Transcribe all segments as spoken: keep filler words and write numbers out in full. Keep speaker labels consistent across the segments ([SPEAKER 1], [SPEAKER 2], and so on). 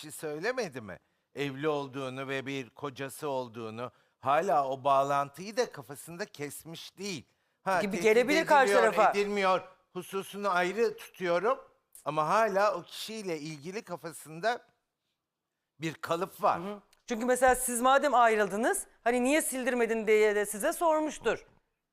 [SPEAKER 1] kişi söylemedi mi? Evli olduğunu ve bir kocası olduğunu, hala o bağlantıyı da kafasında kesmiş değil. Ha,
[SPEAKER 2] Gibi
[SPEAKER 1] tehdit
[SPEAKER 2] gelebilir karşı
[SPEAKER 1] ediliyor,
[SPEAKER 2] tarafa.
[SPEAKER 1] edilmiyor hususunu ayrı tutuyorum. Ama hala o kişiyle ilgili kafasında bir kalıp var.
[SPEAKER 2] Çünkü mesela siz madem ayrıldınız, hani niye sildirmedin diye de size sormuştur.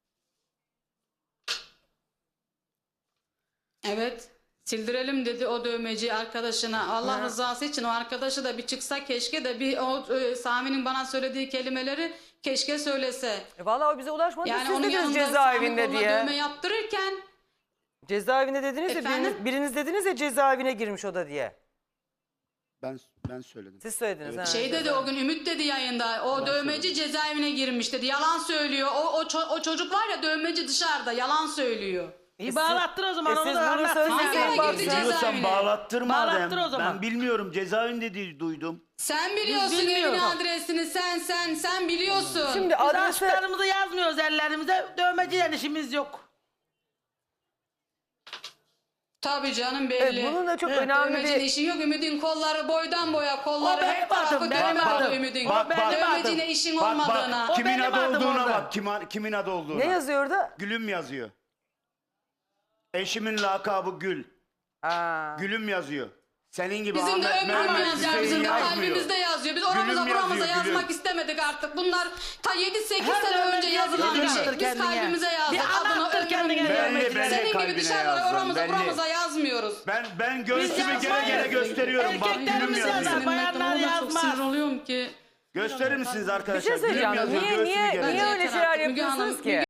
[SPEAKER 3] Evet. Sildirelim dedi o dövmeci arkadaşına. Allah
[SPEAKER 2] Ha.
[SPEAKER 3] rızası için o arkadaşı da bir çıksa keşke de bir o e, Sami'nin bana söylediği kelimeleri keşke söylese.
[SPEAKER 2] E vallahi o bize ulaşmadı.
[SPEAKER 3] Yani
[SPEAKER 2] Siz
[SPEAKER 3] onun
[SPEAKER 2] dediniz
[SPEAKER 3] yanında Sami
[SPEAKER 2] cezaevinde
[SPEAKER 3] koluna
[SPEAKER 2] diye.
[SPEAKER 3] dövme yaptırırken
[SPEAKER 2] Cezaevinde dediniz ya,
[SPEAKER 3] Efendim?
[SPEAKER 2] biriniz, biriniz dediniz ya cezaevine girmiş o da diye.
[SPEAKER 4] Ben ben söyledim.
[SPEAKER 2] Siz söylediniz.
[SPEAKER 4] Evet.
[SPEAKER 2] ha,
[SPEAKER 3] şey dedi
[SPEAKER 2] cezaevinde.
[SPEAKER 3] o gün Ümit dedi yayında. O dövmeci cezaevine girmiş dedi. Yalan söylüyor. O, o, ço- o çocuk var ya dövmeci dışarıda yalan söylüyor.
[SPEAKER 5] İyi bağlattır o zaman
[SPEAKER 2] E
[SPEAKER 5] onu
[SPEAKER 2] siz
[SPEAKER 5] da
[SPEAKER 2] bunu
[SPEAKER 5] anlat.
[SPEAKER 2] söyleseniz
[SPEAKER 3] Hangi ara
[SPEAKER 2] baksın.
[SPEAKER 3] girdi
[SPEAKER 4] Biliyorsan
[SPEAKER 3] cezaevine?
[SPEAKER 4] bağlattır madem.
[SPEAKER 5] Bağlattır o zaman.
[SPEAKER 4] Ben bilmiyorum, cezaevinde diye duydum.
[SPEAKER 3] Sen biliyorsun evin
[SPEAKER 5] bilmiyoruz.
[SPEAKER 3] adresini. Sen sen sen biliyorsun.
[SPEAKER 2] Şimdi
[SPEAKER 5] Biz
[SPEAKER 2] adresi...
[SPEAKER 5] aşklarımızı yazmıyoruz ellerimize. Dövmeciyle işimiz yok.
[SPEAKER 3] Tabii canım belli.
[SPEAKER 2] Evet, bunun da çok
[SPEAKER 5] Evet,
[SPEAKER 2] önemli
[SPEAKER 3] Dövmecinin
[SPEAKER 2] bir...
[SPEAKER 3] işi yok. Ümidin kolları boydan boya, kolları
[SPEAKER 5] O benim
[SPEAKER 3] her tarafı
[SPEAKER 5] adım, benim
[SPEAKER 3] dövme
[SPEAKER 5] adım.
[SPEAKER 3] oldu Ümidin.
[SPEAKER 5] Bak, bak.
[SPEAKER 3] Dövmeciyle işin
[SPEAKER 4] Bak
[SPEAKER 3] olmadığına.
[SPEAKER 4] bak,
[SPEAKER 5] O
[SPEAKER 4] kimin
[SPEAKER 5] benim
[SPEAKER 4] adı
[SPEAKER 5] adım
[SPEAKER 4] olduğuna
[SPEAKER 5] orada.
[SPEAKER 4] bak, kim, kimin adı olduğuna.
[SPEAKER 2] Ne yazıyor orada?
[SPEAKER 4] Gülüm yazıyor. Eşimin lakabı Gül.
[SPEAKER 2] Aa.
[SPEAKER 4] Gülüm yazıyor. Senin gibi
[SPEAKER 3] Bizim de
[SPEAKER 4] Ahmet
[SPEAKER 3] ömrüm
[SPEAKER 4] Mehmet
[SPEAKER 3] yazıyor,
[SPEAKER 4] Hüseyin
[SPEAKER 3] bizim de
[SPEAKER 4] yazmıyor.
[SPEAKER 3] kalbimizde yazıyor. Biz oramıza
[SPEAKER 4] Gülüm
[SPEAKER 3] buramıza
[SPEAKER 4] yazıyor,
[SPEAKER 3] yazmak
[SPEAKER 4] gülüm.
[SPEAKER 3] istemedik artık. Bunlar ta yedi sekiz
[SPEAKER 5] Her
[SPEAKER 3] sene
[SPEAKER 5] dövmeci
[SPEAKER 3] önce yazılan bir
[SPEAKER 5] yazıyor,
[SPEAKER 3] şey. Biz
[SPEAKER 5] kendine.
[SPEAKER 3] kalbimize yazdık.
[SPEAKER 5] Bir
[SPEAKER 3] Adını
[SPEAKER 5] anlattır kendine
[SPEAKER 3] ömrümüzü.
[SPEAKER 5] dövmecileri.
[SPEAKER 4] Belli, belli.
[SPEAKER 3] Senin gibi
[SPEAKER 4] kalbine
[SPEAKER 3] dışarıda
[SPEAKER 4] yazdım,
[SPEAKER 3] oramıza
[SPEAKER 4] belli.
[SPEAKER 3] buramıza yazmıyoruz.
[SPEAKER 4] Ben ben göğsümü
[SPEAKER 5] Biz
[SPEAKER 4] gene gene
[SPEAKER 5] yazmayız.
[SPEAKER 4] gösteriyorum. Bak gülüm
[SPEAKER 5] Erkeklerimiz
[SPEAKER 4] yazıyor.
[SPEAKER 5] yazar.
[SPEAKER 3] Senin
[SPEAKER 5] bayanlar
[SPEAKER 3] mektubuna çok
[SPEAKER 5] yazmaz.
[SPEAKER 3] sinir oluyorum ki.
[SPEAKER 4] Gösterir misiniz
[SPEAKER 2] Bir
[SPEAKER 4] arkadaşlar?
[SPEAKER 2] şey
[SPEAKER 4] Gülüm
[SPEAKER 2] söyleyeceğim.
[SPEAKER 4] yazıyor,
[SPEAKER 2] Niye,
[SPEAKER 4] göğsümü
[SPEAKER 2] niye,
[SPEAKER 4] gene
[SPEAKER 2] niye
[SPEAKER 4] yazıyor.
[SPEAKER 2] öyle
[SPEAKER 3] Yeter
[SPEAKER 2] şeyler
[SPEAKER 3] artık Müge
[SPEAKER 2] yapıyorsunuz
[SPEAKER 3] Hanım,
[SPEAKER 2] ki?